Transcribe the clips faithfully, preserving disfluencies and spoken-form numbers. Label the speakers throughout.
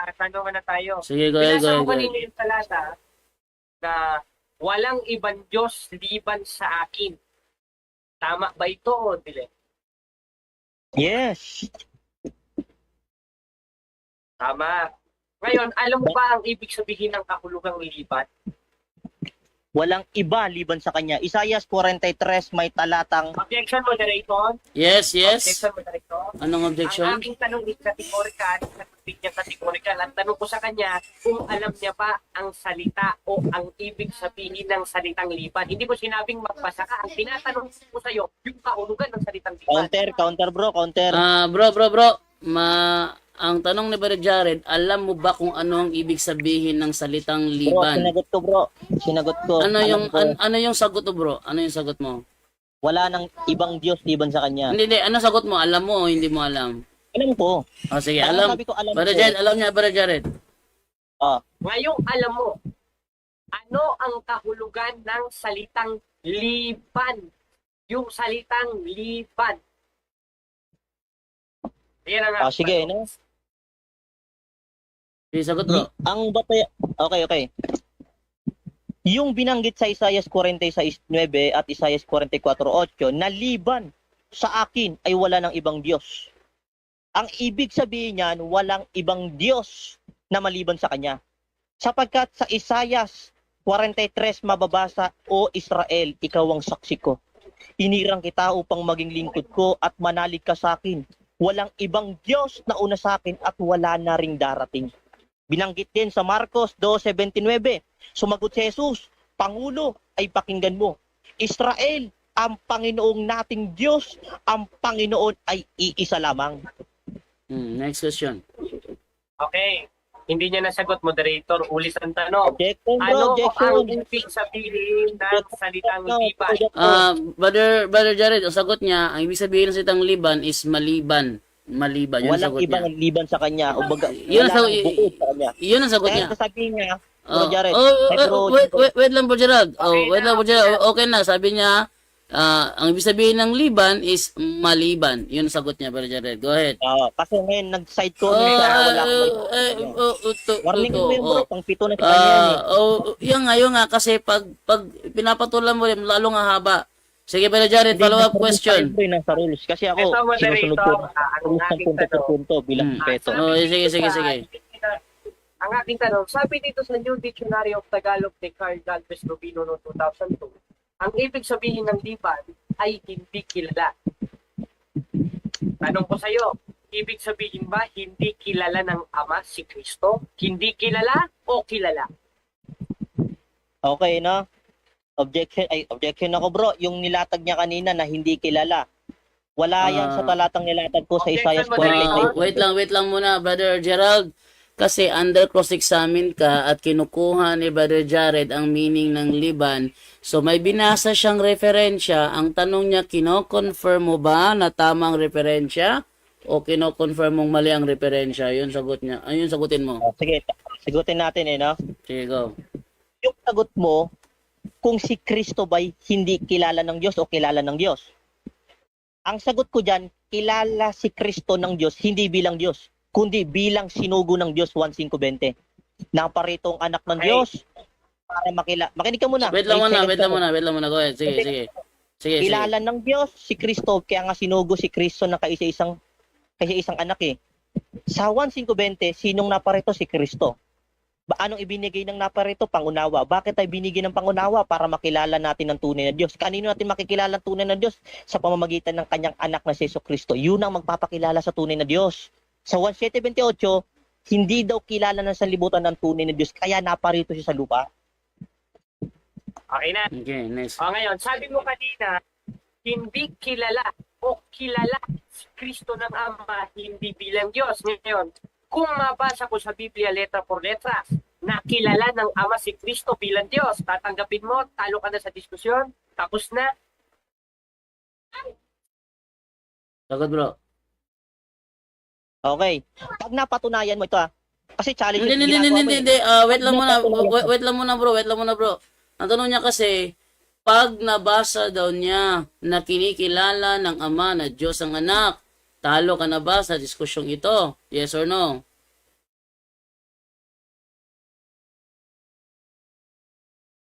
Speaker 1: Ah, tanungan na tayo.
Speaker 2: Sige, go ahead, go
Speaker 1: Binasa
Speaker 2: ahead,
Speaker 1: ko
Speaker 2: go
Speaker 1: kanina
Speaker 2: ahead.
Speaker 1: yung talata na walang ibang Diyos liban sa akin. Tama ba ito o dili?
Speaker 3: Yes.
Speaker 1: Tama. Ngayon, alam mo ba ang ibig sabihin ng kahulugang liban?
Speaker 3: Walang iba liban sa kanya. Isaiah forty-three may talatang
Speaker 1: Objection, moderator?
Speaker 2: Yes, yes.
Speaker 1: Objection, moderator?
Speaker 2: Anong
Speaker 1: Ang
Speaker 2: objection?
Speaker 1: aking tanong is categorical, sagutin niya categorical. Ang tanong ko sa kanya, kung alam niya ba ang salita o ang ibig sabihin ng salitang liban. Hindi ko sinabing magbasa ka. Ang tinatanong ko sa iyo, yung kahulugan ng salitang liban.
Speaker 3: counter, counter bro, counter.
Speaker 2: Ah, bro, bro, bro. Ma ang tanong ni Brother Jared, alam mo ba kung ano ang ibig sabihin ng salitang
Speaker 3: Bro,
Speaker 2: liban?
Speaker 3: sinagot ko bro. Sinagot ko.
Speaker 2: Ano
Speaker 3: Alam
Speaker 2: yung
Speaker 3: ko,
Speaker 2: an- ano yung sagot mo, bro? Ano yung sagot mo?
Speaker 3: wala nang ibang Diyos liban sa kanya.
Speaker 2: Hindi, hindi. Ano sagot mo? Alam mo o hindi mo alam?
Speaker 3: Alam ko.
Speaker 2: O sige,
Speaker 3: Kaya
Speaker 2: alam.
Speaker 3: sabi ko, alam
Speaker 2: Brother
Speaker 3: ko.
Speaker 2: Jared, alam niya, Brother Jared.
Speaker 3: Ah,
Speaker 1: Ngayong alam mo, ano ang kahulugan ng salitang liban? Yung salitang liban. Yan ang
Speaker 3: ah sige, no?
Speaker 2: Sige, sagot, bro.
Speaker 3: Ang batay Okay, okay. Yung binanggit sa Isaiah forty-six nine at Isaiah forty-four eight na liban sa akin ay wala ng ibang Diyos. Ang ibig sabihin niyan, walang ibang Diyos na maliban sa kanya. Sapagkat sa Isaiah forty-three mababasa, O Israel, ikaw ang saksi ko. Hinirang kita upang maging lingkod ko at manalig ka sa akin. Walang ibang Diyos na una sa akin at wala na ring darating. Binanggit din sa Marcos two seventy-nine. Sumagot si Jesus, Pangulo ay pakinggan mo. Israel, ang Panginoong nating Diyos, ang Panginoon ay iisa lamang.
Speaker 2: Hmm, next question.
Speaker 1: Okay. Hindi niya nasagot, moderator. Ulis ang tanong.
Speaker 3: Objection, bro,
Speaker 1: Ano ang
Speaker 3: objection.
Speaker 1: ibig sabihin ng salitang liban?
Speaker 2: Ah, Brother, Brother Jared, ang sagot niya, ang ibig sabihin ng salitang liban is maliban. Maliban, yun ang
Speaker 3: Walang
Speaker 2: sagot
Speaker 3: ibang
Speaker 2: niya.
Speaker 3: liban sa kanya. O baga,
Speaker 2: Yun ang
Speaker 3: wala
Speaker 2: sagot,
Speaker 3: nang bukod sa kanya.
Speaker 2: yun ang sagot
Speaker 3: Dahil
Speaker 2: niya.
Speaker 3: sasabihin niya, Bro
Speaker 2: Oh,
Speaker 3: Jared,
Speaker 2: oh, oh,
Speaker 3: ay, bro,
Speaker 2: oh, wait, wait, wait lang, Bro Gerald. Oh,
Speaker 1: Okay
Speaker 2: wait
Speaker 1: na,
Speaker 2: lang, Bro
Speaker 1: okay
Speaker 2: Gerald.
Speaker 1: na.
Speaker 2: Okay na, sabi niya, ah, ang ibig sabihin ng liban is maliban. Yun ang sagot niya, Bro Gerald. Go ahead.
Speaker 3: ah, kasi ngayon, nag-side
Speaker 2: Oh,
Speaker 3: comment siya, wala akong
Speaker 2: eh,
Speaker 3: may-
Speaker 2: eh, oh, oh, to,
Speaker 3: Warning
Speaker 2: to,
Speaker 3: mo yun, bro.
Speaker 2: oh.
Speaker 3: Pang pito na sa kanya yan, eh.
Speaker 2: Ah, oh, yun nga, yun nga, kasi pag, pag pinapatulan mo rin, lalo nga haba. Sige, Brother Jared,
Speaker 3: Hindi,
Speaker 2: follow up
Speaker 3: nasa rules
Speaker 2: question.
Speaker 3: tayo, bro, nasa rules. Kasi ako,
Speaker 1: Ito, moderator,
Speaker 3: sinusunod ko
Speaker 1: ah, ang
Speaker 3: rules ng
Speaker 1: aking
Speaker 3: punto sa
Speaker 1: tanong.
Speaker 3: punto bilang
Speaker 2: Hmm.
Speaker 3: peto.
Speaker 2: Oh, sige, sige, sige.
Speaker 1: Ang aking tanong, sabi dito sa New Dictionary of Tagalog ni Carl Galvez Rubino noong two thousand two, ang ibig sabihin ng liban ay hindi kilala. Tanong ko sa iyo, ibig sabihin ba hindi kilala ng Ama si Kristo? Hindi kilala o kilala?
Speaker 3: Okay, no? Objection, ay, objection ako, bro. Yung nilatag niya kanina na hindi kilala. Wala yan sa
Speaker 2: Ah.
Speaker 3: talatang nilatag ko sa
Speaker 1: Objection,
Speaker 3: Isaiah
Speaker 1: moderator.
Speaker 2: Ah, wait lang, wait lang muna, Brother Gerald. Kasi under cross-examine ka at kinukuha ni Brother Jared ang meaning ng liban. So may binasa siyang referensya. Ang tanong niya, kino-confirm mo ba na tama ang referensya? O kino-confirm mong mali ang referensya? Yun sagot niya. Ayun sagutin mo.
Speaker 3: Oh, sige, sigutin natin eh, no?
Speaker 2: Sige, go.
Speaker 3: Yung sagot mo, kung si Kristo ba'y hindi kilala ng Diyos o kilala ng Diyos? Ang sagot ko dyan, kilala si Kristo ng Diyos, hindi bilang Diyos, kundi bilang sinugo ng Diyos, one five twenty. Naparitong anak ng
Speaker 1: Okay.
Speaker 3: Diyos para makila. Makinig ka muna.
Speaker 2: Wait lang
Speaker 3: Eight
Speaker 2: muna,
Speaker 3: seconds
Speaker 2: wait lang
Speaker 3: ako.
Speaker 2: muna, wait lang muna. Go ahead. Sige, sige. Sige, sige.
Speaker 3: Kilala ng Diyos si Kristo, kaya nga sinugo si Kristo na kaisa-isang kaisa-isang anak eh. Sa one five twenty, sinong naparito? Si Kristo. Ba, anong ibinigay ng naparito? Pangunawa. Bakit ay binigay ng pangunawa? Para makilala natin ang tunay na Diyos. Kanino natin makikilala ang tunay na Diyos? Sa pamamagitan ng kanyang anak na si Jesucristo. Yun ang magpapakilala sa tunay na Diyos. Sa one seven eight, hindi daw kilala ng sanlibutan ng tunay na Diyos, kaya naparito siya sa lupa.
Speaker 1: Okay na.
Speaker 2: Okay, next.
Speaker 1: O ngayon, sabi mo kanina, hindi kilala o kilala si Kristo ng Ama, hindi bilang Diyos. Ngayon, kung mabasa ko sa Biblia letra por letra, na kilala ng Ama si Kristo bilang Diyos, tatanggapin mo, talo ka na sa diskusyon, tapos na.
Speaker 2: Sagot, bro.
Speaker 3: Okay. Pag napatunayan mo ito ah, kasi challenge
Speaker 2: Hindi,
Speaker 3: yung
Speaker 2: hindi, hindi,
Speaker 3: ginagawa mo
Speaker 2: hindi,
Speaker 3: eh.
Speaker 2: hindi. Ah, wait lang muna. Wait, wait lang muna, bro. Wait lang muna, bro. Ang tanong niya kasi, pag nabasa daw niya na kinikilala ng Ama na Diyos ang anak, talo ka na ba sa diskusyong ito? Yes or no?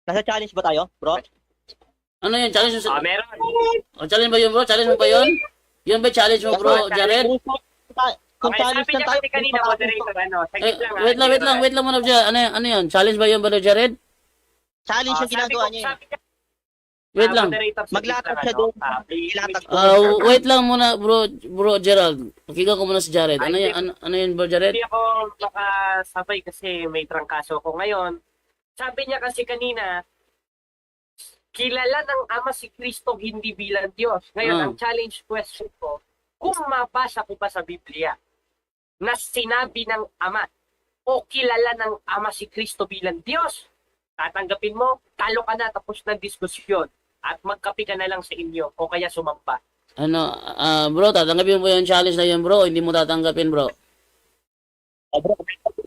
Speaker 3: Nasa challenge ba tayo, bro?
Speaker 2: Ano yun? Challenge mo?
Speaker 1: Ah,
Speaker 2: sa-
Speaker 1: meron.
Speaker 2: Oh, challenge ba yun, bro? Challenge mo ba yun? Yun ba challenge mo, bro, Jared?
Speaker 3: Kung, kung
Speaker 1: Okay,
Speaker 3: challenge
Speaker 1: sabi
Speaker 3: lang
Speaker 1: niya
Speaker 3: tayo,
Speaker 1: kasi kanina,
Speaker 3: kung
Speaker 1: moderator, ano,
Speaker 2: Eh,
Speaker 1: saglit lang. ah,
Speaker 2: wait lang, wait lang, wait lang muna, Jared. Ano, yun? ano yun? Challenge ba yun, bro, Jared?
Speaker 3: challenge
Speaker 1: Ah,
Speaker 3: yung ginagawa
Speaker 1: sabi ko-
Speaker 3: niya. eh.
Speaker 1: sabi niya,
Speaker 2: Wait
Speaker 1: ah,
Speaker 2: lang.
Speaker 1: moderator, saglit
Speaker 3: Maglatag
Speaker 1: lang,
Speaker 3: siya
Speaker 1: ano,
Speaker 3: doon.
Speaker 1: ah, may-
Speaker 3: Ilatag
Speaker 1: may-
Speaker 3: ko.
Speaker 2: Ah, wait lang muna, bro, bro Gerald. Pakinggan ko muna si Jared. Ano
Speaker 1: Ay,
Speaker 2: yun, ano, ano yun, bro, Jared?
Speaker 1: Hindi ako makasabay kasi may trangkaso ko ngayon. Sabi niya kasi kanina, kilala ng Ama si Kristo hindi bilang Diyos. Ngayon,
Speaker 2: Ah.
Speaker 1: ang challenge question ko, kung mabasa ko ba sa Biblia na sinabi ng Ama o kilala ng Ama si Kristo bilang Diyos, tatanggapin mo, talo ka na, tapos ng diskusyon at magkape ka na lang sa inyo o kaya sumampa.
Speaker 2: Ano, ah, bro, tatanggapin mo yung challenge na yun, bro, o hindi mo tatanggapin, bro?
Speaker 3: Oh, bro,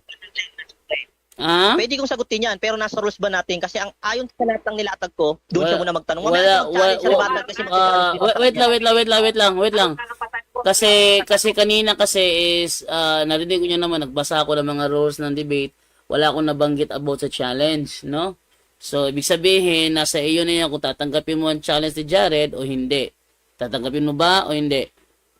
Speaker 2: Ah?
Speaker 3: pwede kong sagutin yan, pero nasa rules ba natin? Kasi ang ayon sa lahat ng nilatag ko, doon
Speaker 2: Wala-
Speaker 3: siya muna magtanong.
Speaker 2: wala-
Speaker 3: Mamaya sa challenge sa
Speaker 2: wala-
Speaker 3: rebuttal kasi
Speaker 2: Ah,
Speaker 3: magchallenge
Speaker 2: wait, wait lang, wait lang, wait lang, wait lang, wait lang.
Speaker 1: Ang karapatan ko-
Speaker 2: Kasi kasi kanina kasi is ah, narinig ko niyo naman nagbasa ako ng mga rules ng debate. Wala akong nabanggit about sa challenge, no? So ibig sabihin nasa iyo na yan kung tatanggapin mo ang challenge ni Jared o hindi. Tatanggapin mo ba o hindi?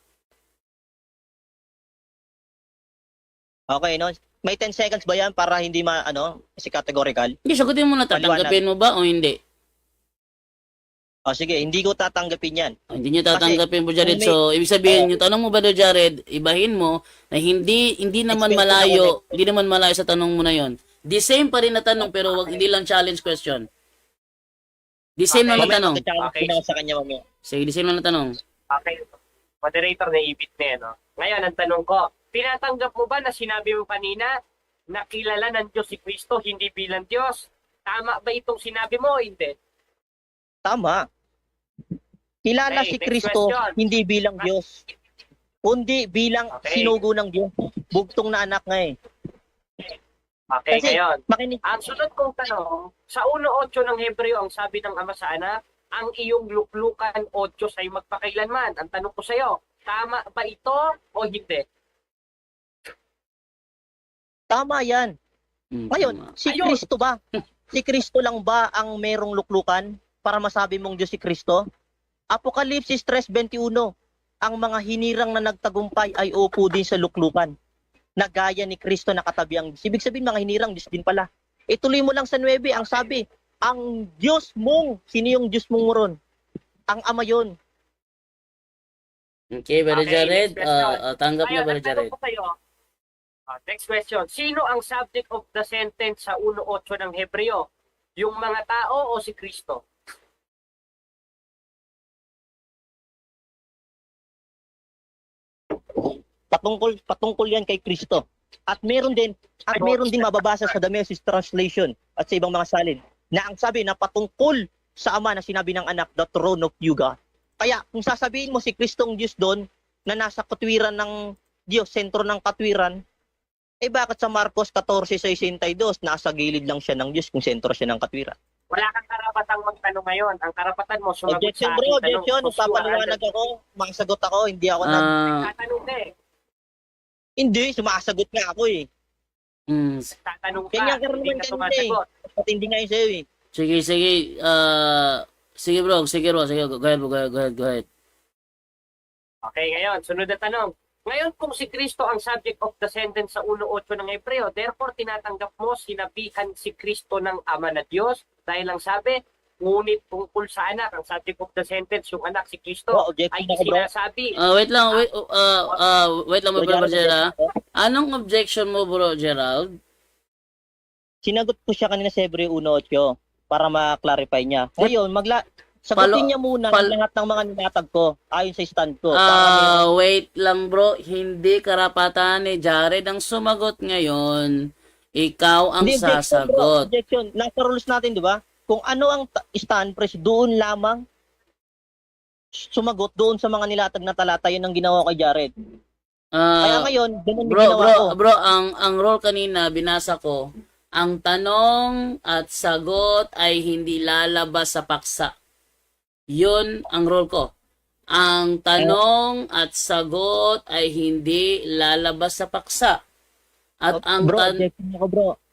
Speaker 3: Okay, no? May ten seconds ba yan para hindi ma, ano, si categorical?
Speaker 2: Hindi, sagutin mo na tatanggapin mo ba o hindi?
Speaker 3: O sige, hindi ko tatanggapin yan.
Speaker 2: O, hindi niyo tatanggapin mo Jared.
Speaker 3: kung may-
Speaker 2: So ibig sabihin yung tanong mo ba do Jared, ibahin mo na hindi hindi naman
Speaker 3: Expect ko na
Speaker 2: malayo, hindi naman malayo sa tanong mo na yon. The same pa rin na tanong pero wag hindi lang challenge question. The same lang na
Speaker 1: Okay.
Speaker 2: tanong.
Speaker 3: Mamaya magka-challenge
Speaker 1: Okay.
Speaker 3: ko na sa kanya mamaya.
Speaker 2: Sige, the same lang na tanong.
Speaker 1: Okay. Moderator, naibit na yan. No? Ngayon, ang tanong ko, tinatanggap mo ba na sinabi mo kanina na kilala ng Diyos si Kristo, hindi bilang Diyos? Tama ba itong sinabi mo o hindi?
Speaker 3: Tama. Kilala
Speaker 1: Okay,
Speaker 3: si
Speaker 1: next
Speaker 3: Kristo
Speaker 1: question.
Speaker 3: hindi bilang Diyos, kundi bilang
Speaker 1: Okay.
Speaker 3: sinugo ng Diyos. Bugtong na anak nga eh.
Speaker 1: Okay,
Speaker 3: Kasi-
Speaker 1: ngayon.
Speaker 3: Makinig.
Speaker 1: Ang sunod kong tanong, sa uno eight ng Hebreo, ang sabi ng Ama sa Anak, ang iyong luklukan o Diyos ay magpakailanman. Ang tanong ko sa iyo, tama ba ito o hindi?
Speaker 3: Tama yan.
Speaker 2: Hmm,
Speaker 3: Ngayon,
Speaker 2: tama.
Speaker 3: si
Speaker 1: Ayun.
Speaker 3: Kristo ba? Si Kristo lang ba ang merong luklukan para masabi mong Diyos si Kristo? Apokalipsis three twenty-one, ang mga hinirang na nagtagumpay ay upo din sa luklukan. Na gaya ni Kristo nakatabi ang Diyos. Ibig sabihin mga hinirang Diyos din pala. Ituloy mo lang sa nine, ang sabi, ang Diyos mong, sino yung Diyos mong ron? Ang Ama yun.
Speaker 2: Okay, Brother
Speaker 1: Okay,
Speaker 2: Jared,
Speaker 1: next question.
Speaker 2: ah, ah, tanggap niya,
Speaker 1: Ngayon,
Speaker 2: Brother
Speaker 1: ang tanong
Speaker 2: Jared.
Speaker 1: ko sa iyo, ah, next question, sino ang subject of the sentence sa uno eight ng Hebreo? Yung mga tao o si Kristo?
Speaker 3: Patungkol, patungkol yan kay Kristo. At meron din, at meron din mababasa sa The Message Translation at sa ibang mga salin na ang sabi na patungkol sa Ama na sinabi ng anak, the throne of you, God. Kaya kung sasabihin mo si Kristong Diyos doon na nasa katwiran ng Diyos, sentro ng katwiran, eh bakit sa Marcos fourteen sixty-two, nasa gilid lang siya ng Diyos kung sentro siya ng katwiran?
Speaker 1: Wala kang karapatang magtanong ngayon. Ang karapatan mo, sumagot
Speaker 3: Objection
Speaker 1: sa
Speaker 3: bro,
Speaker 1: aking tanong.
Speaker 3: objection.
Speaker 1: Kung
Speaker 3: Magpapaliwanag ako, makasagot ako, hindi ako nag...
Speaker 2: Ah,
Speaker 1: Tatanong ka eh.
Speaker 3: Hindi, sumasagot nga ako eh.
Speaker 2: mm,
Speaker 1: Tatanong ka.
Speaker 3: Ganyan ka rin
Speaker 1: Hindi
Speaker 3: naman
Speaker 1: ka
Speaker 3: kanina
Speaker 1: sumasagot.
Speaker 3: Pati hindi nga yun sa'yo eh.
Speaker 2: sige, sige, ah, sige bro, sige bro, sige, go ahead, bro, go ahead, go ahead, go ahead.
Speaker 1: Okay, ngayon, sunod na tanong. Ngayon, kung si Kristo ang subject of the sentence sa uno eight ng Hebreo, therefore, tinatanggap mo sinabihan si Kristo ng Ama na Diyos dahil lang sabi, ngunit tungkol sa anak, ang subject of the sentence, yung anak si Kristo,
Speaker 3: Bro, objection
Speaker 1: ay
Speaker 3: ako bro.
Speaker 1: sinasabi.
Speaker 2: Ah, wait lang, wait, ah, ah, wait lang,
Speaker 3: Bro,
Speaker 2: bro,
Speaker 3: Gerald,
Speaker 2: Gerald. Anong objection mo, bro, Gerald?
Speaker 3: Sinagot ko siya kanina sa Hebreo one eight para ma-clarify niya. Ngayon, magla sagutin
Speaker 2: Palo-
Speaker 3: niya muna
Speaker 2: pal-
Speaker 3: lahat ng mga nilatag ko ayon sa stand ko. Para
Speaker 2: Ah, wait lang, bro, hindi karapatan ni Jared ang sumagot ngayon. Ikaw ang
Speaker 3: Hindi, objection, bro.
Speaker 2: sasagot.
Speaker 3: Objection. Nasa rules natin, di ba? Kung ano ang ta- stand, press, doon lamang sumagot doon sa mga nilatag na talata. Yun ang ginawa ko kay Jared. Kaya
Speaker 2: Ah,
Speaker 3: ngayon, ganun yung
Speaker 2: bro,
Speaker 3: ginawa
Speaker 2: bro,
Speaker 3: ko.
Speaker 2: bro, ang ang role kanina binasa ko, ang tanong at sagot ay hindi lalabas sa paksa. 'Yun ang role ko. Ang tanong at sagot ay hindi lalabas sa paksa. At
Speaker 3: Oh,
Speaker 2: ang
Speaker 3: bro,
Speaker 2: tan-
Speaker 3: objection ako, bro.
Speaker 2: an-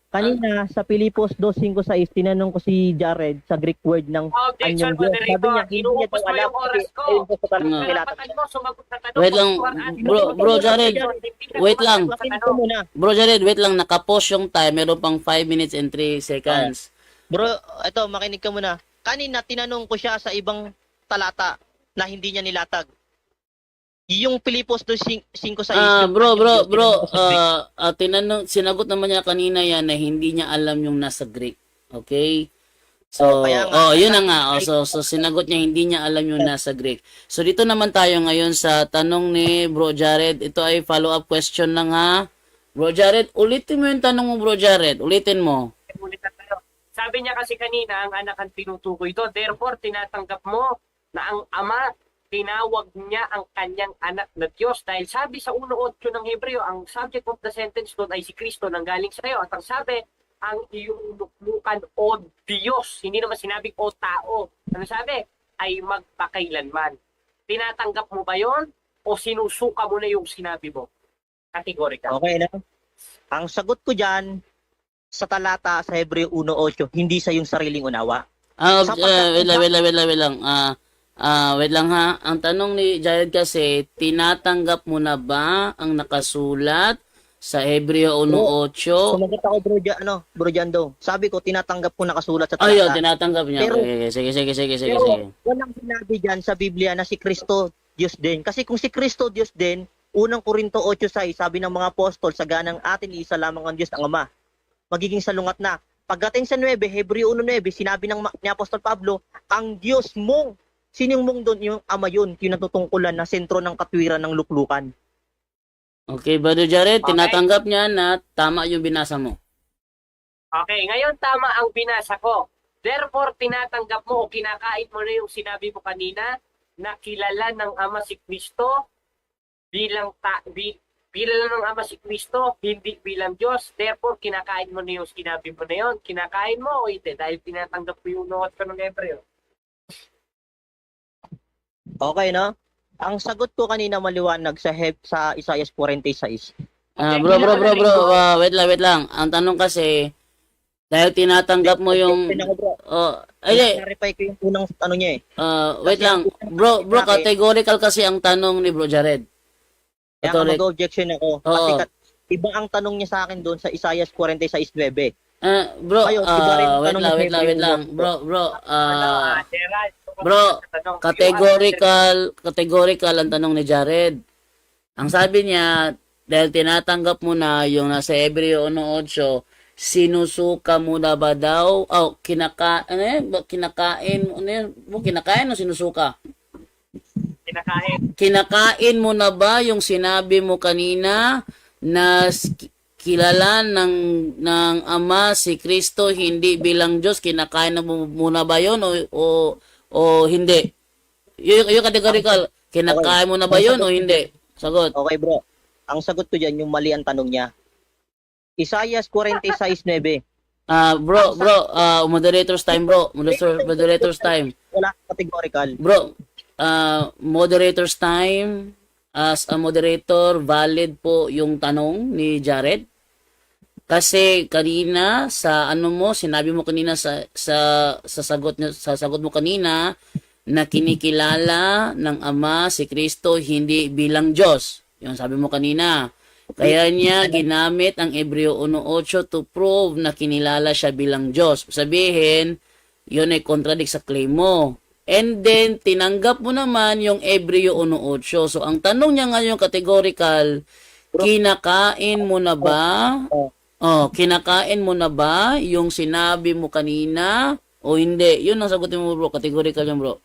Speaker 3: Kanina, sa Pilipos two five six, tinanong ko si Jared sa Greek word ng
Speaker 1: Objection,
Speaker 3: anyong Diyos.
Speaker 1: moderator.
Speaker 3: Sabi niya, hindi niya
Speaker 1: Inuubos
Speaker 3: daw
Speaker 1: mo
Speaker 3: alam
Speaker 1: yung oras
Speaker 3: kasi
Speaker 1: ko.
Speaker 3: ayun po sa tanong
Speaker 2: Nga.
Speaker 3: nilatag.
Speaker 1: Karapatan mo sumagot sa tanong
Speaker 2: Wait
Speaker 1: ko.
Speaker 2: lang,
Speaker 1: Kung ano
Speaker 2: bro,
Speaker 1: yung
Speaker 2: bro,
Speaker 1: tanong,
Speaker 2: Jared.
Speaker 1: hindi ka
Speaker 2: Wait lang.
Speaker 1: sumagot sa
Speaker 3: Pakin ko
Speaker 1: tanong.
Speaker 3: muna.
Speaker 2: Bro Jared, wait lang, nakapost yung time, meron pang five minutes and three seconds.
Speaker 3: Bro, ito, makinig ka muna. Kanina, tinanong ko siya sa ibang talata na hindi niya nilatag. Yung Pilipos two five six,
Speaker 2: Ah,
Speaker 3: yung
Speaker 2: bro, bro,
Speaker 3: anyong Diyos,
Speaker 2: bro,
Speaker 3: tinanong ko sa Greek.
Speaker 2: ah, ah, tinanong, sinagot naman niya kanina yan na hindi niya alam yung nasa Greek. Okay? So,
Speaker 3: Oh, kaya nga,
Speaker 2: oh, yun na
Speaker 3: kaya-
Speaker 2: nga. Oh, so, so, sinagot niya hindi niya alam yung nasa Greek. So, dito naman tayo ngayon sa tanong ni Bro Jared. Ito ay follow-up question lang ha. Bro Jared, ulitin mo yung tanong mo, Bro Jared. Ulitin mo.
Speaker 1: Ulit ang tanong. Sabi niya kasi kanina, ang anak ang tinutukoy doon. Therefore, tinatanggap mo na ang ama, tinawag niya ang kanyang anak na Diyos. Dahil sabi sa one eight ng Hebreo, ang subject of the sentence doon ay si Kristo nang galing sa iyo. At ang sabi, ang iyong luklukan o Diyos. Hindi naman sinabing o tao. Ano sabi? Ay magpakailanman. Tinatanggap mo ba yon o sinusuka mo na yung sinabi mo? Categorical.
Speaker 3: Okay na? Ang sagot ko dyan, sa talata sa Hebreo one eight, hindi sa yung sariling unawa.
Speaker 2: Ah,
Speaker 3: Sa
Speaker 2: uh,
Speaker 3: pagka-
Speaker 2: wait lang, wait lang, wait lang, wait lang. Ah, ah, wait lang ha. Ang tanong ni Jared kasi, tinatanggap mo na ba ang nakasulat sa Hebreo one eight?
Speaker 3: Sumagot ako, bro, dyan, ano, bro Jando. Sabi ko, tinatanggap ko nakasulat sa
Speaker 2: Ayun,
Speaker 3: talata.
Speaker 2: tinatanggap niya.
Speaker 3: Pero-
Speaker 2: Okay, okay, sige, sige, sige, sige,
Speaker 3: Pero
Speaker 2: sige.
Speaker 3: walang sinabi dyan sa Biblia na si Kristo Diyos din. Kasi kung si Kristo Diyos din, unang Korinto eight six, sabi ng mga apostol, sa ganang atin iisa lamang ang Diyos ang Ama. Magiging salungat na. Pagdating sa nine, Hebreo one nine, sinabi ng ma- ni Apostol Pablo, ang Diyos mong, sino yung mong doon? Yung Ama yun, yung natutungkulan na sentro ng katwiran ng luklukan.
Speaker 2: Okay, Brother Jared,
Speaker 1: Okay.
Speaker 2: tinatanggap niya na tama yung binasa mo.
Speaker 1: Okay, ngayon tama ang binasa ko. Therefore, tinatanggap mo o kinakait mo na yung sinabi mo kanina na kilala ng Ama si Kristo bilang ta bi, bilang ng Ama si Kristo, hindi bilang Diyos. Therefore, kinakain mo na yung sinabi mo na yun. Kinakain mo o hindi dahil tinatanggap mo yung nuot ko ng Hebreo.
Speaker 3: Okay, no? Ang sagot ko kanina maliwanag sa Heb, sa Isaiah forty-six.
Speaker 2: Ah, bro, bro, bro, bro, ah, wait lang, wait lang. Ang tanong kasi, dahil tinatanggap mo yung... Oh, ay,
Speaker 3: Clarify ko yung unang ano niya eh.
Speaker 2: ah, wait lang. Bro, bro, categorical kasi ang tanong ni Bro Jared.
Speaker 3: Kaya
Speaker 2: Ito,
Speaker 3: nga
Speaker 2: Rick.
Speaker 3: mag-objection ako. Kasi
Speaker 2: Oo.
Speaker 3: kat, iba ang tanong niya sa akin doon sa Isaiah forty-six nine.
Speaker 2: Ah, bro,
Speaker 3: Ayun, iba rin
Speaker 2: ah,
Speaker 3: ang
Speaker 2: wait
Speaker 3: tanong
Speaker 2: lang,
Speaker 3: ni
Speaker 2: wait lang, wait
Speaker 3: Hebreo.
Speaker 2: lang. Bro, bro, ah...
Speaker 1: Gerald,
Speaker 2: bro, categorical, categorical ang tanong ni Jared. Ang sabi niya, dahil tinatanggap mo na yung nasa Hebreo one eight, sinusuka mo na ba daw? Oh, kinaka, ano yan? Ba- Kinakain, ano yan? Mo, kinakain o sinusuka?
Speaker 1: Kinakain.
Speaker 2: Kinakain mo na ba yung sinabi mo kanina na s- kilala ng ng Ama si Kristo hindi bilang Diyos? Kinakain na mo muna ba yon o o, o hindi? Yung, yung categorical, kinakain mo na ba yon o hindi? Sagot.
Speaker 3: Okay bro, ang sagot ko dyan yung mali ang tanong niya. Isaiah forty-six nine.
Speaker 2: Ah, bro, bro, ah, moderator's time, bro. Moderator, moderator's time.
Speaker 3: Wala categorical.
Speaker 2: Bro, ah, moderator's time. As a moderator, valid po yung tanong ni Jared. Kasi kanina sa ano mo, sinabi mo kanina sa sa sa sagot niya, sa sagot mo kanina na kinikilala ng Ama si Kristo hindi bilang Diyos. Yung sabi mo kanina. Kaya niya ginamit ang Hebreo one eight to prove na kinilala siya bilang Diyos. Sabihin, yun ay contradict sa claim mo. And then, tinanggap mo naman yung Hebreo one eight. So, ang tanong niya ngayon, categorical, kinakain mo na ba? Oh, kinakain mo na ba yung sinabi mo kanina o hindi? Yun ang sagutin mo, bro. Categorical yan, bro.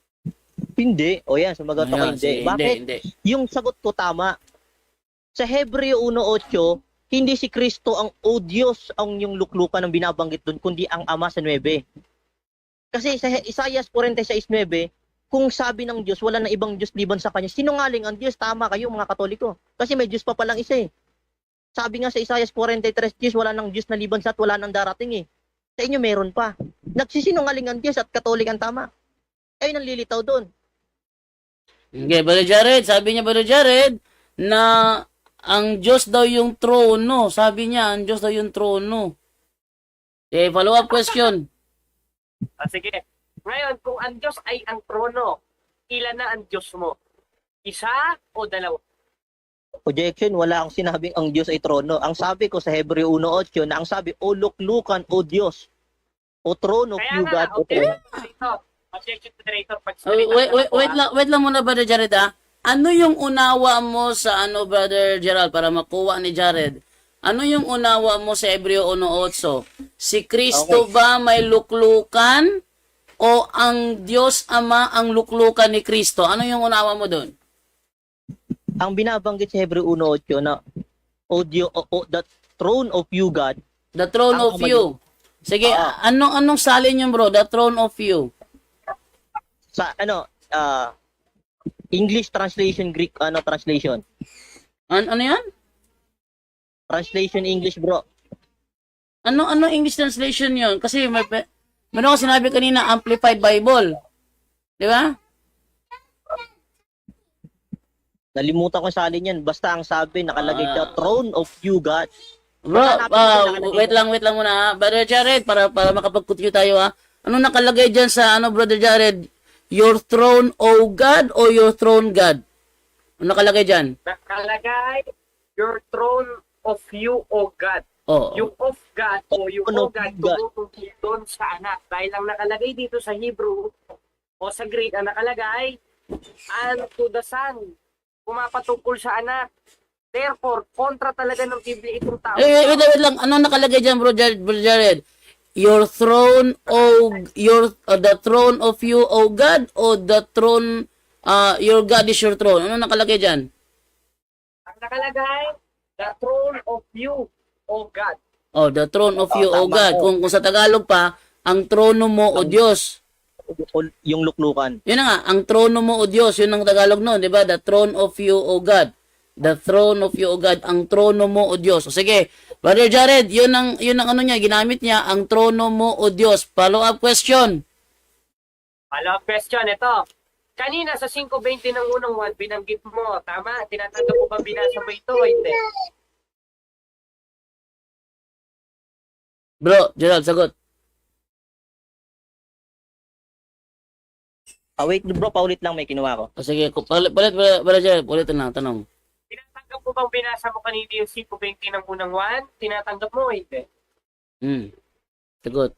Speaker 3: Hindi. O yan, sumagot ako
Speaker 2: Ayan,
Speaker 3: hindi.
Speaker 2: sige,
Speaker 3: Bakit?
Speaker 2: hindi, hindi.
Speaker 3: Yung sagot ko tama. Sa Hebreo one eight, hindi si Kristo ang o Diyos ang yung luklukan ng binabanggit doon, kundi ang Ama sa nine. Kasi sa Isaiah forty-six nine, kung sabi ng Diyos, wala na ibang Diyos liban sa Kanya, sinungaling ang Diyos, tama kayo mga Katoliko. Kasi may Diyos pa palang isa eh. Sabi nga sa Isaiah forty-three, Diyos, wala nang Diyos na liban sa at wala nang darating eh. Sa inyo meron pa. Nagsisinungaling ang Diyos at Katolik ang tama. Ayun ang lilitaw doon.
Speaker 2: Okay, Brother Jared, sabi niya, Brother Jared, na ang Diyos daw yung trono. Sabi niya, ang Diyos daw yung trono. Okay, follow-up question.
Speaker 1: Ah, sige. Ngayon, kung ang Diyos ay ang trono, ilan na ang Diyos mo? Isa o dalawa?
Speaker 3: Objection, wala akong sinabing ang Diyos ay trono. Ang sabi ko sa Hebreo one eight na ang sabi, o luklukan, o Diyos, o throne of
Speaker 1: Kaya
Speaker 3: you,
Speaker 1: nga,
Speaker 3: God, o
Speaker 1: okay.
Speaker 3: throne.
Speaker 1: Moderator. Objection to director. Pag
Speaker 2: Oh, wait, wait, wait, lang, wait lang muna, Brother Jared, ah. Ano yung unawa mo sa ano, Brother Gerald, para makuha ni Jared? Ano yung unawa mo sa Hebreo one eight? Si Kristo
Speaker 3: Okay.
Speaker 2: ba may luklukan o ang Diyos Ama ang luklukan ni Kristo? Ano yung unawa mo doon?
Speaker 3: Ang binabanggit sa Hebreo one eight na, o, Dio, o, o the throne of you, God,
Speaker 2: The throne
Speaker 3: Ang
Speaker 2: of
Speaker 3: Ama
Speaker 2: you. Sige,
Speaker 3: Ah.
Speaker 2: anong anong salin yun, bro? The throne of you.
Speaker 3: sa ano, ah, English translation, Greek ano translation.
Speaker 2: An ano yan?
Speaker 3: Translation English, bro.
Speaker 2: Ano ano English translation yun? Kasi may pe- meron ako sinabi kanina, Amplified Bible. Di ba?
Speaker 3: Nalimutan ko sa alin yan. Basta ang sabi, nakalagay
Speaker 2: Ah.
Speaker 3: the throne of you, God.
Speaker 2: Bro,
Speaker 3: Hanapin ko
Speaker 2: ah,
Speaker 3: na nakalagay
Speaker 2: wait
Speaker 3: doon.
Speaker 2: lang, wait lang muna ha. Brother Jared, para para makapag-continue tayo ha. Ano nakalagay dyan sa ano, Brother Jared? Your throne, O God, o your throne, God? Ano nakalagay dyan?
Speaker 1: Nakalagay, your throne of you, O God.
Speaker 2: Oh,
Speaker 1: Yung of God o yung
Speaker 3: Ano,
Speaker 1: O God,
Speaker 3: God?
Speaker 1: tumutungkol doon sa anak. Dahil ang nakalagay dito sa Hebrew o sa Greek, ang nakalagay, and to the Son. Pumapatungkol sa anak. Therefore, kontra talaga ng Biblia itong tao.
Speaker 2: eh, wait, wait, lang, wait lang. Ano nakalagay dyan, Bro Jared? Bro Jared? Your throne, O, your, uh, the throne of you, O God, o the throne, uh, your God is your throne. Ano nakalagay dyan?
Speaker 1: Ang nakalagay, the throne of you, O God.
Speaker 2: Oh, the throne of you, O
Speaker 3: tama
Speaker 2: God.
Speaker 3: po.
Speaker 2: Kung, kung sa Tagalog pa, ang trono mo, O Diyos.
Speaker 3: O, yung luklukan.
Speaker 2: Yun na nga, ang trono mo, O Diyos. Yun ang Tagalog noon, di ba? The throne of you, O God. The throne of you, O God. Ang trono mo, O Diyos. O sige, Brother Jared, yun ang, yun ang ano niya, ginamit niya, ang trono mo, O Diyos. Follow-up question.
Speaker 1: Follow-up question, ito. Kanina sa five twenty ng unang one, binanggit mo, tama? Tinatanggap mo ba binasa mo ito o hindi?
Speaker 2: Bro, Gerald, sagot.
Speaker 3: Ah, wait, bro, paulit lang may kinuha ko.
Speaker 2: O sige, ku- palit, palit, Brother Jared, ulitin lang, tanong.
Speaker 1: Tinatanggap mo bang binasa mo kanina yung five twenty ng unang one? Tinatanggap mo o hindi?
Speaker 2: Hmm, sagot.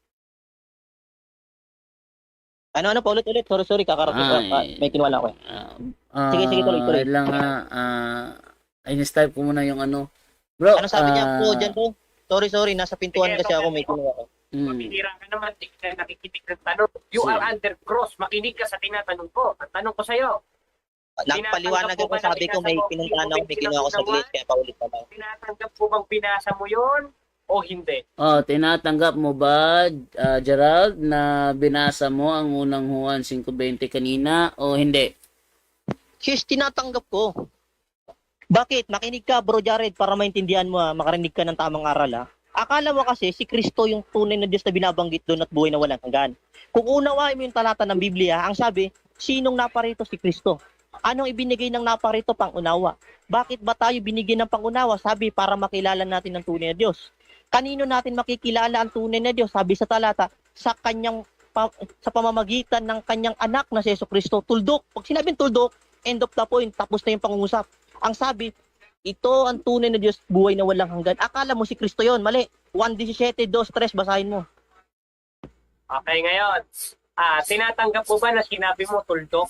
Speaker 3: Ano, ano, paulit ulit. Sorry, sorry, kakarating ko.
Speaker 2: Ay.
Speaker 3: Ah, may kinuha lang ako. eh.
Speaker 2: Ah,
Speaker 3: Sige, sige, tuloy, tuloy.
Speaker 2: wait lang ha. Ah, ay, type ko muna yung ano. Bro,
Speaker 3: Ano sabi niya
Speaker 2: ah,
Speaker 3: po dyan po? Sorry, sorry, nasa pintuan
Speaker 1: Sige,
Speaker 3: kasi ako, may kinuha ko.
Speaker 2: hmm.
Speaker 1: Mabibira ka naman, di ka nakikinig ng tanong. You
Speaker 2: Sige.
Speaker 1: are under cross. Makinig ka sa tinatanong ko. Ang tanong ko sa'yo,
Speaker 3: Nagpaliwanag ako, sabi ko may pinuntahan ako, may kinuha ko sa glitch, kaya paulit pa lang.
Speaker 1: tinatanggap mo bang binasa mo yon o hindi?
Speaker 2: Oh, tinatanggap mo ba, ah, Gerald, na binasa mo ang unang Juan five twenty kanina o hindi?
Speaker 3: Sis, tinatanggap ko. Bakit? Makinig ka, bro Jared, para maintindihan mo, ha? Makarinig ka ng tamang aral. Ha? Akala mo kasi si Kristo yung tunay na Diyos na binabanggit doon at buhay na walang hanggan. Kung unawain mo yung talata ng Biblia, ang sabi, sinong naparito si Kristo? Anong ibinigay ng naparito pang-unawa? Bakit ba tayo binigyan ng pang-unawa? Sabi, para makilala natin ang tunay na Diyos. Kanino natin makikilala ang tunay na Diyos? Sabi sa talata, sa kanyang pa- sa pamamagitan ng kanyang anak na si Jesucristo. Tuldok. Pag sinabing tuldok, end of the point, tapos na yung pangungusap. Ang sabi, ito ang tunay na Diyos, buhay na walang hanggan. Akala mo si Kristo yon, mali. one seventeen, two tres, basahin mo.
Speaker 1: Okay, ngayon. Ah, tinatanggap mo ba na sinabi mo tuldok?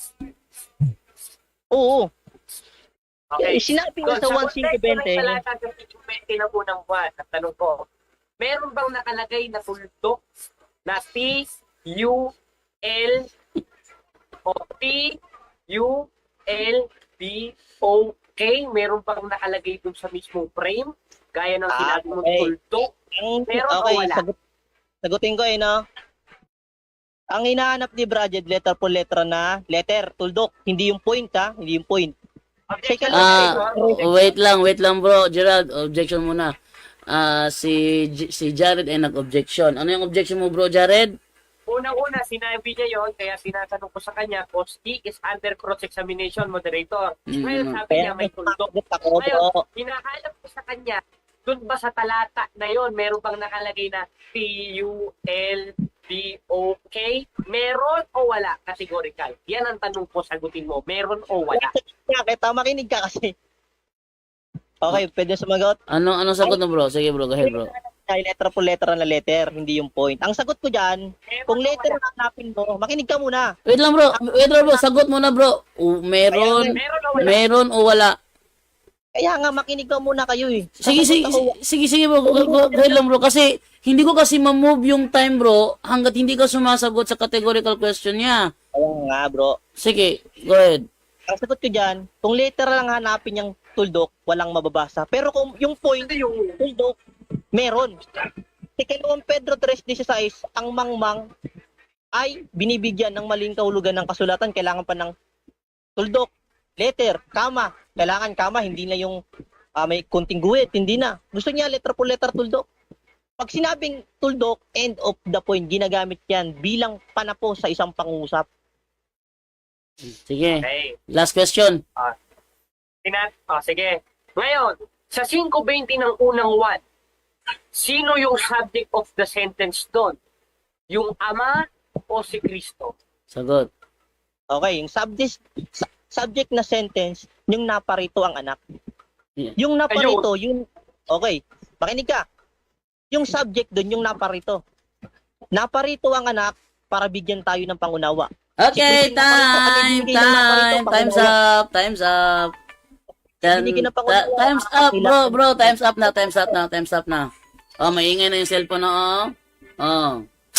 Speaker 3: Oo.
Speaker 1: Okay.
Speaker 3: Eh, sinabi nga
Speaker 1: Good.
Speaker 3: sa
Speaker 1: Sa
Speaker 3: one
Speaker 1: konteksto ng
Speaker 3: twenty,
Speaker 1: talata ng twenty ng unang buwan, ang tanong ko, meron bang nakalagay na tuldok na T U L o T U L D O K? Meron bang nakalagay dun sa mismong frame? Gaya ng
Speaker 3: Ah,
Speaker 1: sinabi mong
Speaker 3: okay.
Speaker 1: tuldok?
Speaker 3: Ang,
Speaker 1: Meron o
Speaker 3: okay,
Speaker 1: wala?
Speaker 3: sagot, sagutin ko eh, no? Ang hinahanap ni Brajed, letter po letra na, letter, tuldok. Hindi yung point, ha? Hindi yung point.
Speaker 1: Objection,
Speaker 2: Ah,
Speaker 1: objection.
Speaker 2: wait lang, wait lang bro, Gerald, objection muna. Ah, si J- si Jared ay nag-objection. Ano yung objection mo, bro, Jared?
Speaker 1: Unang-una, sinabi niya yon, kaya tinatanong ko sa kanya, cause he is under cross-examination, moderator.
Speaker 2: Mm.
Speaker 1: Ngayon, sabi
Speaker 3: Kaya
Speaker 1: niya may tuldok.
Speaker 3: sagot ako,
Speaker 1: Ngayon,
Speaker 3: bro.
Speaker 1: hinahanap ko sa kanya Doon ba sa talata na yon meron bang nakalagay na T U L D O K? Meron o wala? Categorical. Yan ang tanong ko, sagutin mo. Meron o wala?
Speaker 3: Bakit? Tama, makinig ka kasi. Okay, pwede sumagot.
Speaker 2: Ano ano sagot mo, bro? Sige, bro. Go ahead, bro.
Speaker 3: Ay, letter po letter na letter, hindi yung point. Ang sagot ko dyan,
Speaker 1: Meron
Speaker 3: kung
Speaker 1: o
Speaker 3: letter
Speaker 1: wala?
Speaker 3: ang hanapin mo, makinig ka muna.
Speaker 2: Wait lang, bro. Wait lang, bro. Sagot mo na, bro. O, meron,
Speaker 1: Meron o wala?
Speaker 2: meron o wala.
Speaker 3: Kaya nga, makinig ka muna kayo eh.
Speaker 2: Sige, sige,
Speaker 3: Sasagot ako.
Speaker 2: sige, sige, bro. Go, go, go ahead lang, bro. Kasi, hindi ko kasi ma-move yung time, bro, hanggat hindi ka sumasagot sa categorical question niya.
Speaker 3: Kaya nga, bro.
Speaker 2: Sige, go ahead.
Speaker 3: Ang sagot ko dyan, kung letter lang hanapin yung tuldok, walang mababasa. Pero kung yung point, yung tuldok, meron. Si Kalawang Pedro three sixteen, ang mangmang ay binibigyan ng maling kahulugan ng kasulatan. Kailangan pa ng tuldok, letter, kama. Kailangan kama, hindi na yung ah, may kunting guhit, hindi na. Gusto niya letter po letter tuldok. Pag sinabing tuldok, end of the point, ginagamit yan bilang panapo sa isang pangusap.
Speaker 2: Sige.
Speaker 1: Okay.
Speaker 2: Last question.
Speaker 1: Tinat oh, sige. Ngayon, sa five twenty ng unang one, sino yung subject of the sentence doon? Yung ama o si Kristo?
Speaker 2: Sagot.
Speaker 3: Okay, yung subject, su- subject na sentence, yung naparito ang anak.
Speaker 2: Yeah.
Speaker 3: Yung naparito, yung, okay, makinig ka. Yung subject doon, yung naparito. Naparito ang anak para bigyan tayo ng pangunawa.
Speaker 2: Okay,
Speaker 3: Si Christine naparito, at
Speaker 2: time,
Speaker 3: ibibigay ng naparito
Speaker 2: time,
Speaker 3: ang
Speaker 2: time's
Speaker 3: pangunawa.
Speaker 2: up, time's up. Ten,
Speaker 3: Binigyan ng
Speaker 2: ta-
Speaker 3: pangunawa.
Speaker 2: time's up, bro, bro, time's up na, time's up na, time's up na. Oh, maingay na yung cellphone na, oh. Oh.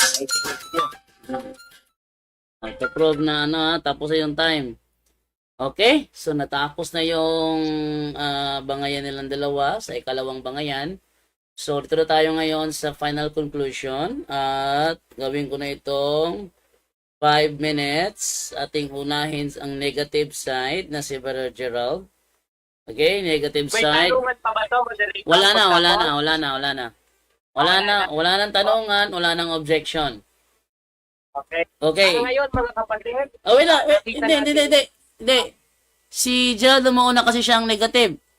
Speaker 2: Nagpa-prove na, ano, ha, tapos na yung time. Okay, so natapos na yung ah, bangayan nilang dalawa sa ikalawang bangayan. So, dito na tayo ngayon sa final conclusion at gawin ko na itong five minutes. Ating unahin ang negative side na si Brother Gerald. Okay, negative
Speaker 1: May
Speaker 2: side.
Speaker 1: tanungan pa ba to, moderator?
Speaker 2: Wala na, wala na,
Speaker 1: Pagkatapos?
Speaker 2: wala na, wala na. Wala na, wala nang tanungan, wala nang objection.
Speaker 1: Okay.
Speaker 2: Okay.
Speaker 1: Ano ngayon, mga kapatid?
Speaker 2: Oh, wait lang, wait,
Speaker 1: Nakita
Speaker 2: hindi, hindi,
Speaker 1: natin-
Speaker 2: hindi, hindi. Si Gerald mauna kasi siyang negative.